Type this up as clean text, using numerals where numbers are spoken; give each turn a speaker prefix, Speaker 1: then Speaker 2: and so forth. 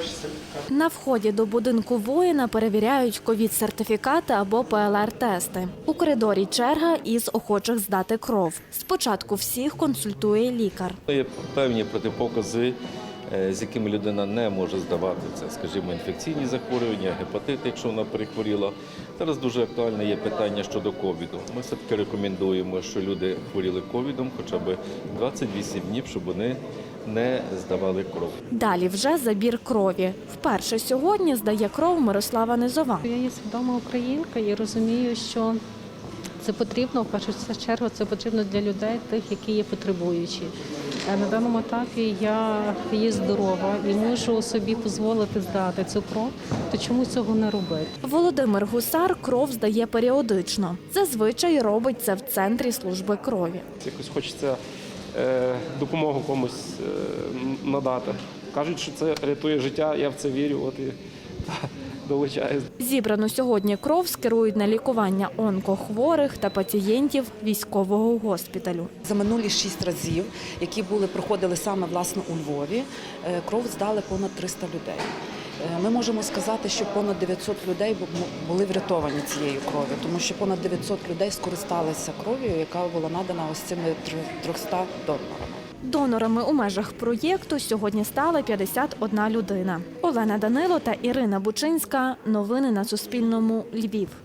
Speaker 1: сертифікат.
Speaker 2: На вході до будинку воїна перевіряють ковід-сертифікати або ПЛР-тести. У коридорі черга із охочих здати кров. Спочатку всіх консультує лікар.
Speaker 3: Є певні протипокази, з якими людина не може здавати. Це, скажімо, інфекційні захворювання, гепатит, якщо вона перехворіла. Зараз дуже актуальне є питання щодо ковіду. Ми все-таки рекомендуємо, що люди хворіли ковідом хоча б 28 днів, щоб вони не здавали кров.
Speaker 2: Далі вже забір крові. Вперше сьогодні здає кров Мирослава Низова.
Speaker 4: Я є свідома українка і розумію, що це потрібно, в першу чергу, це потрібно для людей, тих, які є потребуючі. На даному етапі я є здорова і можу собі дозволити здати цю кров, то чому цього не робити?
Speaker 2: Володимир Гусар кров здає періодично. Зазвичай робить це в центрі служби крові.
Speaker 1: Якось хочеться допомогу комусь надати. Кажуть, що це рятує життя, я в це вірю, от і долучаюсь.
Speaker 2: Зібрану сьогодні кров скерують на лікування онкохворих та пацієнтів військового госпіталю.
Speaker 5: За минулі 6 разів, які проходили саме власне у Львові, кров здали понад 300 людей. Ми можемо сказати, що понад 900 людей були врятовані цією кров'ю, тому що понад 900 людей скористалися кров'ю, яка була надана ось цими 300 донорами.
Speaker 2: Донорами у межах проєкту сьогодні стала 51 людина. Олена Данило та Ірина Бучинська. Новини на Суспільному. Львів.